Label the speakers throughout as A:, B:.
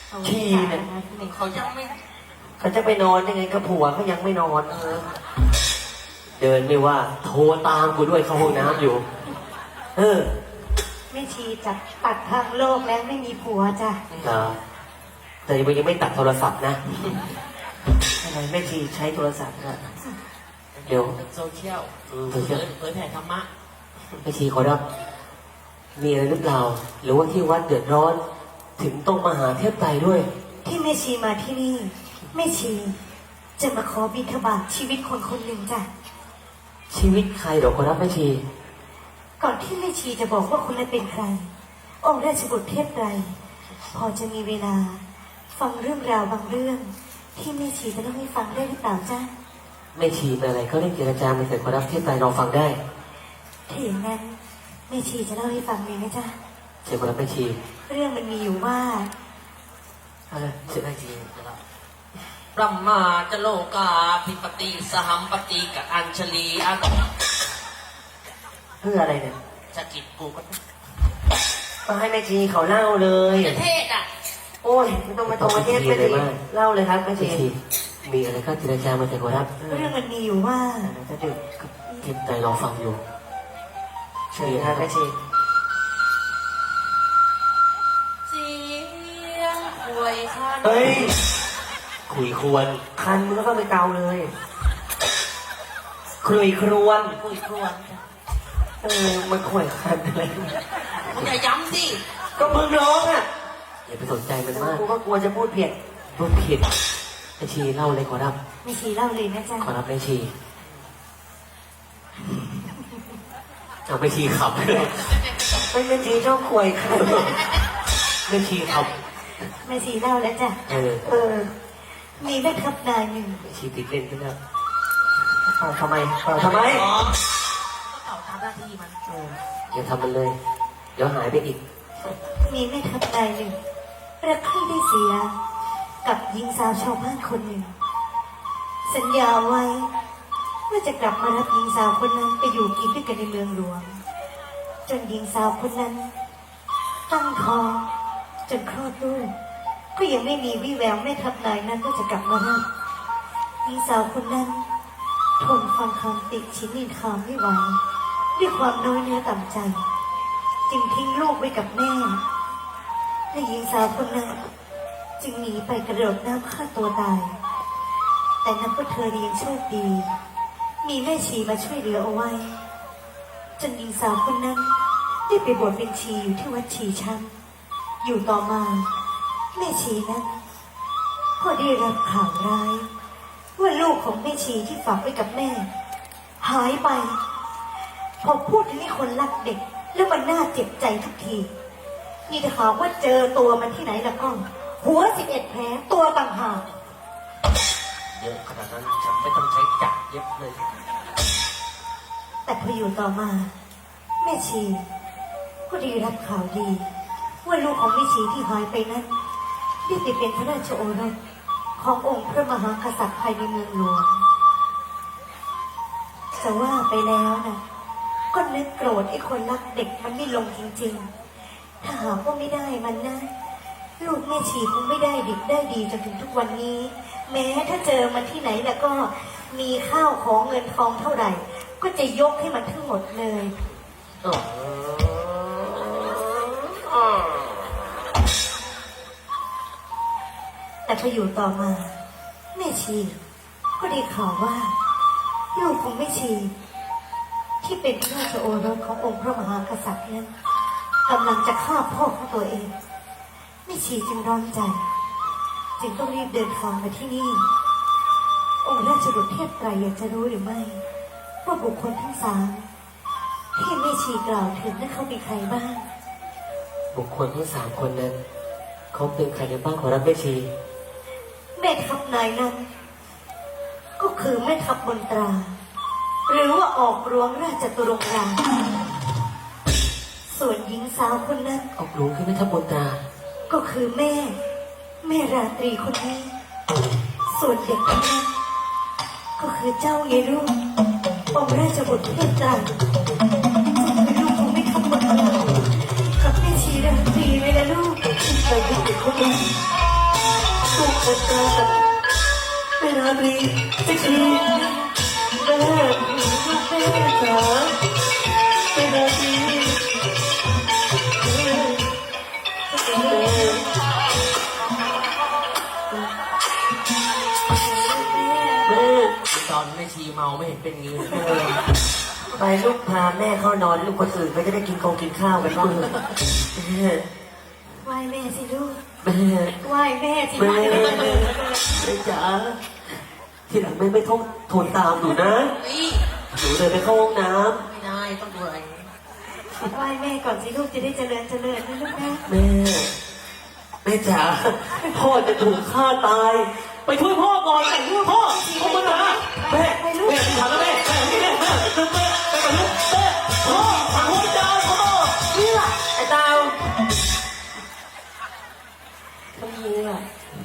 A: ชีเนี่ย
B: เขายังไม่
A: เขาจะไปนอนยังไงกับผัวเขายังไม่นอนเดินไม่ว่า โทรตามกูด้วยเข้าห้องน้ำอยู่
C: แม่ชีจับตัดทางโลกแล้วไม่มีผัวจ้ะ
A: แต่ยังไม่ตัดโทรศัพท์นะอะไรแม่ชีใช้โทรศัพท์นะเดี๋ยว
B: โซเชียล
A: โซเชียล
B: เผยแผ่ธรรมะ
A: แม่ชีขอรับ มีอะไรหรือเปล่า หรือว่าที่วัดเดือดร้อน ถึงต้องมาหาเทพไตรด้วย
C: ที่แม่ชีมาที่นี่แม่ชีจะมาขอบิณฑบาตชีวิตคนคนหนึ่งจ้ะ
A: ชีวิตใครหรอขอรับแม่ชี
C: ก่อนที่แม่ชีจะบอกว่าคนนั้นเป็นใคร องค์ราชบุตรเทพไตรพอจะมีเวลา ฟังเรื่องราวบางเรื่อง ที่แม่ชีจะต้องให้ฟังได้หรือเปล่าจ้ะ
A: แม่ชีเป็นอะไรเขาเล่นเจรจามาเสร็จขอรับเทพไตรรอฟังได้
C: ถ้าอย่างนั้นแม่ชีจะเล่าให้ฟังเลยนะจ๊ะ
A: เชิญขอรับแม่ชี
C: เรื่องมันมีอยู่ว่า
A: อะไรเชิญแม่ชี
B: ปรมาจโลกาภิปติสหัมปติกับอัญชลีอัน
A: เพื่ออะไรเนี่ย
B: สกิดกูก็
A: ก็ให้แม่ชีเขาเล่าเลย
B: จะเทศอ่ะ
C: โอ้ยไม่ต้องมาโทรมาเทศไปเลยเล่าเลยครับแม่
A: แม่
C: ชี
A: ชีมีอะไรก็เจรจามาเสร็จขอรับ
C: เรื่องมันมีอยู่ว่า
A: ถ้าเด็กเทพไตรรอฟังอยู่
C: เชิญครับแม่ชี
B: เสียงควยคัน
A: เฮ้ยคุยควร
C: คันมือก็ไปเกาเลย
A: คุยครวน
B: คุยครวน
A: มันข่วยคันอะไร
B: มึงอย่าย้ำสิ
C: ก็มึงร้องอ่ะ
A: อย่าไปสนใจมันมาก
C: กูก็กลัวจะพูดผิด
A: พูดผิดแม่ชีเล่าเลยขอรับ
C: แม่ชีเล่าเลยนะจ๊ะ
A: ขอรับแม่ชีเอาแม่ชีขับเลย
C: เป็นแม่ชีชอบควยคัน
A: แม่ชีขับ
C: แม่ชีเล่าแล้วจ้ะมีแม่ทัพนายหนึ่ง
A: แม่ชีติดเล่นขึ้นแล้ว
C: ทำไมทำไม
B: อ๋อก็เป่าตามหน้าที่มัน
A: อย่าทำมันเลย เดี๋ยวหายไปอีก
C: มีแม่ทัพนายหนึ่งรักใคร่ได้เสีย กับหญิงสาวชาวบ้านคนหนึ่ง สัญญาไว้ว่าจะกลับมารับหญิงสาวคนนั้นไปอยู่กินด้วยกันในเมืองหลวง จนหญิงสาวคนนั้น ตั้งท้องจนคลอดลูกก็ยังไม่มีวี่แววแม่ทัพนายนั้นว่าจะกลับมารับหญิงสาวคนนั้นทนฟังคำติชินนินทาไม่ไหวด้วยความน้อยเนื้อต่ำใจ จึงทิ้งลูกไว้กับแม่และหญิงสาวคนนั้นจึงหนีไปกระโดดน้ำฆ่าตัวตาย แต่นับว่าเธอยังโชคดี มีแม่ชีมาช่วยเหลือเอาไว้ จนหญิงสาวคนนั้นได้ไปบวชเป็นชีอยู่ที่วัดชีช้ำอยู่ต่อมา แม่ชีนั้นก็ได้รับข่าวร้าย ว่าลูกของแม่ชีที่ฝากไว้กับแม่ หายไป พอพูดถึงให้คนรักเด็ก แล้วมันน่าเจ็บใจทุกทีนี่ถ้าหากว่าเจอตัวมันที่ไหนแล้วก็ หัว11 แผลตัวต่างหาก
B: เยอะขนาดนั้นฉันไม่ต้องใช้จักรเย็บเลย
C: แต่พออยู่ต่อมา แม่ชีก็ได้รับข่าวดี ว่าลูกของแม่ชีที่หายไปนั้นได้ไปเป็นพระราชโอรสขององค์พระมหากษัตริย์ภายในเมืองหลวงจะว่าไปแล้วนะก็นึกโกรธไอ้คนรักเด็กมันไม่ลงจริงๆ ถ้าหากว่าไม่ได้มันนะลูกแม่ชีคงไม่ได้ดิบได้ดีจนถึงทุกวันนี้ แม้ถ้าเจอมันที่ไหนแล้วก็มีข้าวของเงินทองเท่าไหร่ ก็จะยกให้มันทั้งหมดเลย แต่พออยู่ต่อมา แม่ชีก็ได้ข่าวว่าลูกของแม่ชี ที่เป็นพระราชโอรสขององค์พระมหากษัตริย์นั้นกำลังจะฆ่าพ่อของตัวเองแม่ชีจึงร้อนใจ จึงต้องรีบเดินทางมาที่นี่ องค์ราชบุตรเทพไตรอยากจะรู้หรือไม่ว่าบุคคลทั้งสามที่แม่ชีกล่าวถึงนั้นเขาเป็นใครบ้าง
A: บุคคลทั้ง3 คนนั้นเขาเป็นใครกันบ้างขอรับแม่ชี
C: แม่ทัพนายนั้น ก็คือแม่ทัพบนตรา หรือว่าออกรวงราชจตุรงค์รามส่วนหญิงสาวคนนั้น
A: ออกหลวงคือแม่ทัพบนตรา
C: ก็คือแม่ราตรีคนนี้ ส่วนเด็กคนนั้นก็คือเจ้าเยรุ่งองค์ราชบุตรเทพไตรจะเป็นลูกของแม่ทัพบนตรากับแม่ชีราตรีไว้แล้วลูก
A: ไปดูเด็กคนนี้แม่ราตรีจะทีแม่จ๋าแม่ราตรีแม่
B: ตอนแม่ชีเมาไม่เห็นเป็นงี้เลย
A: ไปลูกพาแม่เข้านอนลูกคนอื่นก็จะได้กินข้าวกันบ้างแม่
C: ไหว้แม่สิลูก
A: แม่
C: ไหว้แม่สิ
A: แม่
C: ไหว้แม่
A: แม่จ๋าทีหลังแม่ไม่ต้องโทนตามหนูนะ
B: นี่
A: หนูเลยไปเข้าห้องน้
B: ไม่ได้ต้องดูอะไร
C: ไหว้แม่ก่อนสิลูกจะได้เจริญนะลูกนะ
A: ำแม่จ๋าพ่อจะถูกฆ่าตาย ไปช่วยพ่อก่อนแต่งช่วยพ่อพ่อมาหาแม่ถามแล้วแม่แม่ไปกับลูกแม่พ่อพ่อจ๋าพ่อนี่แหละไอ้ดาวทำยังไง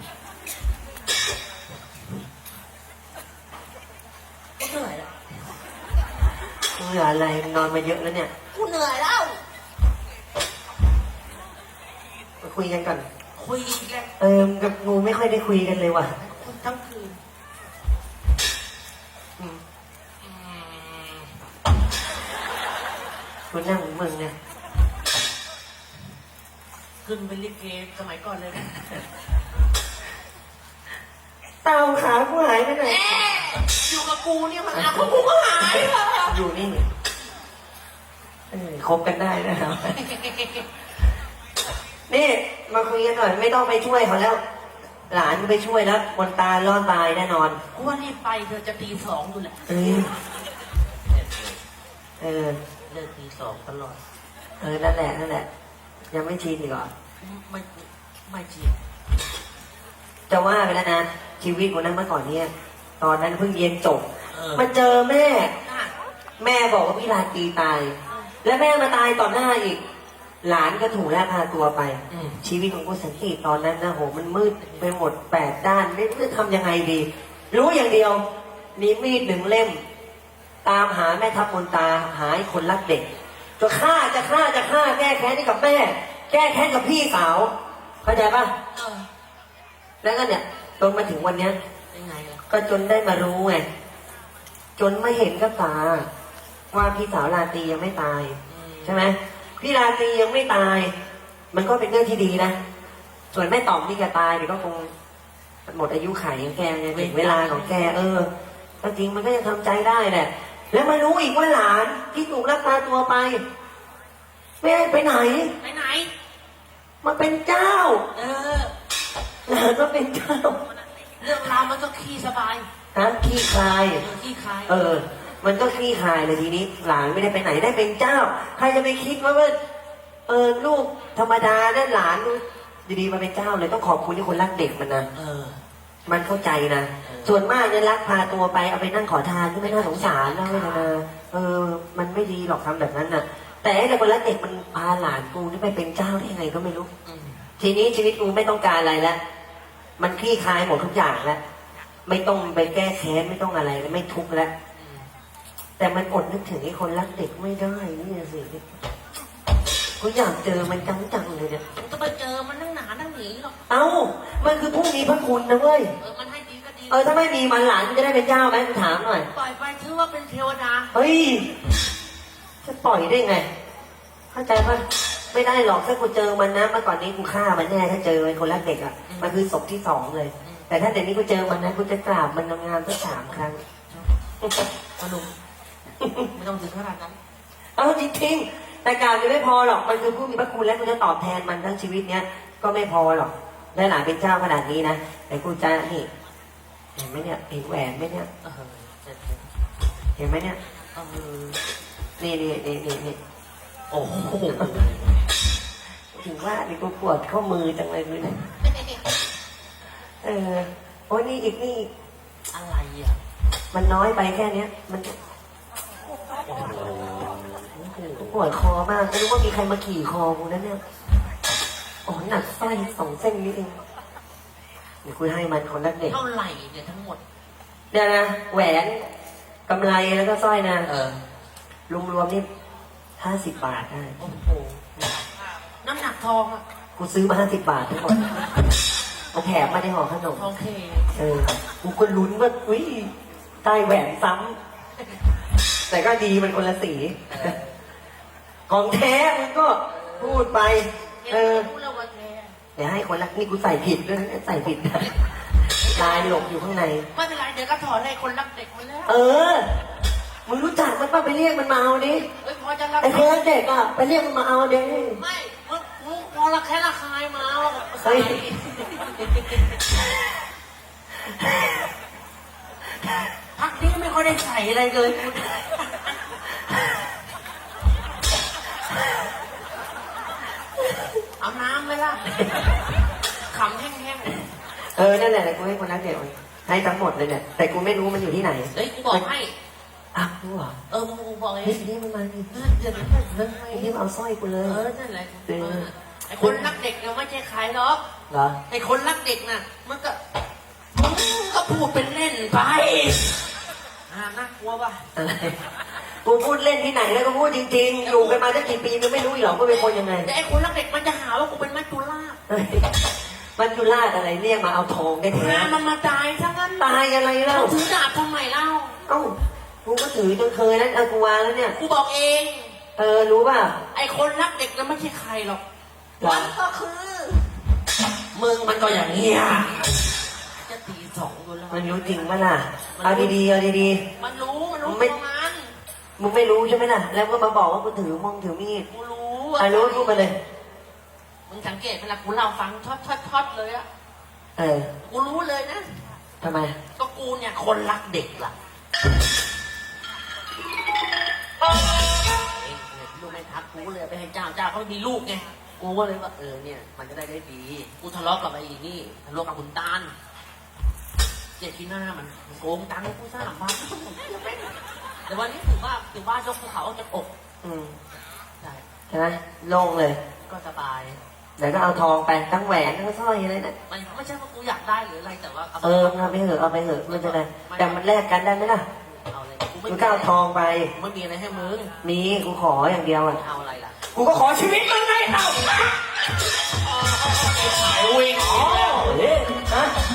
B: กูเหนื่อยแล้ว
A: เหนื่อยอะไรนอนมาเยอะแล้วเนี่ย
B: กูเหนื่อยแล้ว
A: มาคุยกันก่อน
B: คุยอีกแล้ว
A: กับงูไม่ค่อยได้คุยกันเลยว่ะ
B: คุยทั้งคืน
A: คุณนั่งเหมือนมึงเนี่ย
B: ขึ้นเป็นลิเกสมัยก่อนเลยนะ
A: เต่าขากูหายไปไหน
B: อยู่กับกูเนี่ยมันเอาของกูก็หายเลย
A: อยู่นี่คบกันได้นะครับ นี่มาคุยกันหน่อยไม่ต้องไปช่วยเขาแล้ว หลานก็ไปช่วยแล้วบนตารอดตายแน่นอน
B: กูว่ารีบไปเธอจะตีสองอยู่แหละ
A: เออเออ
B: เลิกตีสองตลอด
A: นั่นแหละนั่นแหละ ยังไม่ชินอีกเหรอ
B: ไม่จริง
A: จะว่าไปแล้วนะชีวิตของนั้นเมื่อก่อนเนี่ยตอนนั้นเพิ่งเรียนจบ มาเจอแม่ แม่บอกว่าพี่ราตรีตาย และแม่มาตายต่อหน้าอีก หลานก็ถูกลักพาตัวไป ชีวิตของกูสันติตอนนั้นนะโหมันมืดไปหมด8 ด้านไม่รู้จะทำยังไงดี รู้อย่างเดียวมีมีด1 เล่ม ตามหาแม่ทัพมนตาหาไอ้คนรักเด็กจะฆ่าแก้แค้นให้กับแม่ แก้แค้นกับพี่สาวเข้าใจปะแล้วก็เนี่ยจนมาถึงวันเนี้ย
B: ยังไงล่ะ
A: ก็จนได้มารู้ไงจนไม่เห็นกับตาว่าพี่สาวราตรียังไม่ตาย ใช่ไหมพี่ราตรียังไม่ตาย มันก็เป็นเรื่องที่ดีนะส่วนแม่ต่อมที่จะตายเดี๋ยวก็คงหมดอายุไขของแกไงถึงเวลาของแกก็จริงมันก็ยังทำใจได้แหละแล้วมารู้อีกว่าหลานที่ถูกลักพาตัวไปไม่ได้ไปไหน
B: ไปไหน
A: มาเป็นเจ้า หลานมาเป็นเจ้า
B: เรื่องราวมันก็ขี้สบาย
A: ขี้คลาย
B: ขี้คลาย
A: มันก็คลี่คลายเลยทีนี้ หลานไม่ได้ไปไหนได้เป็นเจ้า ใครจะไปคิดว่าลูกธรรมดานั่นหลานดีๆมาเป็นเจ้าเลยต้องขอบคุณที่คนรักเด็กมันนะมันเข้าใจนะส่วนมากเนี่ยรักพาตัวไปเอาไปนั่งขอทานที่ไม่น่าสงสารนะเวทนามันไม่ดีหรอกทำแบบนั้นน่ะ แต่ไอ้คนรักเด็กมันพาหลานกูนี่ไปเป็นเจ้าได้ยังไงก็ไม่รู้ทีนี้ชีวิตกูไม่ต้องการอะไรแล้วมันคลี่คลายหมดทุกอย่างแล้วไม่ต้องไปแก้แค้นไม่ต้องอะไรแล้วไม่ทุกข์แล้วแต่มันอดนึกถึงไอ้คนรักเด็กไม่ได้นี่สิกูอยากเจอมันจังๆเลยเนี่ย
B: จะไปเจอมันนั่งหนานั่งหนีหรอก
A: มันคือผู้มีพระคุณนะเว้ย
B: มันให้ดีก็ดี
A: ถ้าไม่มีมันหลานมันจะได้เป็นเจ้าไหมกูถามหน่อย
B: ปล่อยไปถือว่าเป็นเทวดา
A: เฮ้ยจะปล่อยได้ไงเข้าใจปะไม่ได้หรอกถ้ากูเจอมันนะเมื่อก่อนนี้กูฆ่ามันแน่ถ้าเจอไอ้คนรักเด็กอ่ะมันคือศพที่2เลย แต่ถ้าเดี๋ยวนี้กูเจอมันนะกูจะกราบมันงามๆสัก3 ครั้ง
B: สนุกไม่ต้องถึงขนาดนั้น
A: จริงๆแต่กล่าวยังไม่พอหรอกมันคือผู้มีพระคุณและกูจะตอบแทนมันทั้งชีวิตเนี้ยก็ไม่พอหรอกได้หลานเป็นเจ้าขนาดนี้นะแต่กูจะนี่เห็นไหมเนี่ยเห็นแหวนไหมเนี่ยเห็นไหมเนี่ยนี่โอ้โหถึงว่านี่กูปวดข้อมือจังเลยมึงเนี่ยโอ้นี่อีก
B: อะไรอ่ะ
A: มันน้อยไปแค่เนี้ยมันปวดคอมากไม่รู้ว่ามีใครมาขี่คอกูนั่นเนี่ยหนักสร้อย2 เส้นนี้เองเดี๋ยวคุยให้มันคนรักเด็ก
B: เท่าไหร่เนี่ยทั้งหมด
A: เดี๋ยวนะแหวนกำไรแล้วก็สร้อยนะรวมๆนี่50 บาทได้
B: โอ้โหน้ำหนักทองอ่ะ
A: กูซื้อมา50 บาททั้งหมดแถมมาในห่อขนม
B: โอเค
A: กูก็ลุ้นว่าอุ้ยได้แหวนซ้ำแต่ก็ดีมันคนละสีของแท้มันก็พูดไป
B: รู้แล้วว่าแท้
A: เดี๋ยวให้คนรักนี่กูใส่ผิดด้วยนะใส่ผิดนะลายหลบอยู่ข้างใน
B: ไม่เป็นไรเดี๋ยวก็ถอนให้คนรักเด็กมาแล้ว
A: มึงรู้จักมันป่ะไปเรียกมันมาเอาดิ
B: เฮ้ยพอจะรับ
A: ไอ้คนรักเด็กอ่ะไปเรียกมันมาเอาดิ
B: ไม่มึงพอละแค่ละคายมา
A: เฮ้ย
B: พักนี้ไม่ค่อยได้ใส่อะไรเลยเอาน้ำไหมล่ะขำแห้ง
A: นั่นแหละกูให้คนรักเด็กมันให้ทั้งหมดเลยเนี่ยแต่กูไม่รู้มันอยู่ที่ไหน
B: ๆเฮ้ยกูบอกให้
A: รู้เหรอ
B: มึงบอกเอ
A: เฮ้ย
B: ง
A: นี่มันมาดิ
B: เดี๋ยว
A: นี่มันเอาสร้อยกูเลย
B: นั่นแหละไอ้คนรักเด็กเนี่ยไม่ใช่ใครหรอก
A: เหรอ
B: ไอ้คนรักเด็กน่ะมันก็พูดเป็นเล่นไปน่ากลัวป่ะ
A: อะไรกูพูดเล่นที่ไหนแล้วก็พูดจริงๆ อยู่กันมาตั้งกี่ปีมึงไม่รู้อีกหรอว่าเป็นคนยังไง
B: แต่ไอ้คนรักเด็กมันจะหาว่ากูเป็นมัจจุราช
A: เฮ้ยมันจุราชอะไรเรียกมาเอาทองได้แท้
B: มันมาตายทั้งนั้น
A: ตายอะไรเล่า
B: เขาถือดาบทำไมเล่า
A: เอ้ากูก็ถือจนเคยแล้วกูวางแล้วเนี่ย
B: กูบอกเอง
A: รู้ป่ะ
B: ไอ้คนรักเด็กนั้นไม่ใช่ใครหรอก
A: หรอ
B: มันก็คือมึงมันก็อย่างเงี้ยจะตีสองอยู่แล้ว
A: มันรู้จริงป่ะล่ะเอาดีๆเอาดี
B: มันรู้ตัวมัน
A: ๆมึงไม่รู้ใช่ไหมล่ะแล้วก็มาบอกว่ากูถือมงถือมีด
B: กูรู้
A: รู้พูดมาเลย
B: มึงสังเกตเวลากูเล่าฟังทอดเลยอะ กูรู้เลยนะ
A: ทำไม
B: ก็กูเนี่ยคนรักเด็กล่ะลูกไม่ทักกูเลยไปให้เจ้าเขามีลูกไง กูก็เลยว่าเนี่ยมันจะได้ดี กูทะเลาะกับไอ้นี่ทะเลาะกับคุณตาลเจ็ดที่หน้ามันโกงตังค์กู3,000แต่วันนี้ถือว่ายกภูเขาออกจากอก
A: ใช่ไหมโล่งเลย
B: ก็สบาย
A: เดี๋ยวก็เอาทองไปทั้งแหวนทั้งสร้อยอะไรนะ
B: มันไม่ใช่ว่ากูอยากได้หรืออะไรแต่ว่า
A: เอาไปเถอะเอาไปเถอะมันจะได้แต่มันแลกกันได้ไหมล่ะ
B: เอาเลย
A: กูก็เอาทองไป
B: ไม่มีอะไรให้มึง
A: มีกูขออย่างเดียวอ่ะ
B: เอาอะไรล่ะ
A: กูก็ขอชีวิตมึงไงเอา
B: วิ่ง
A: ฮะ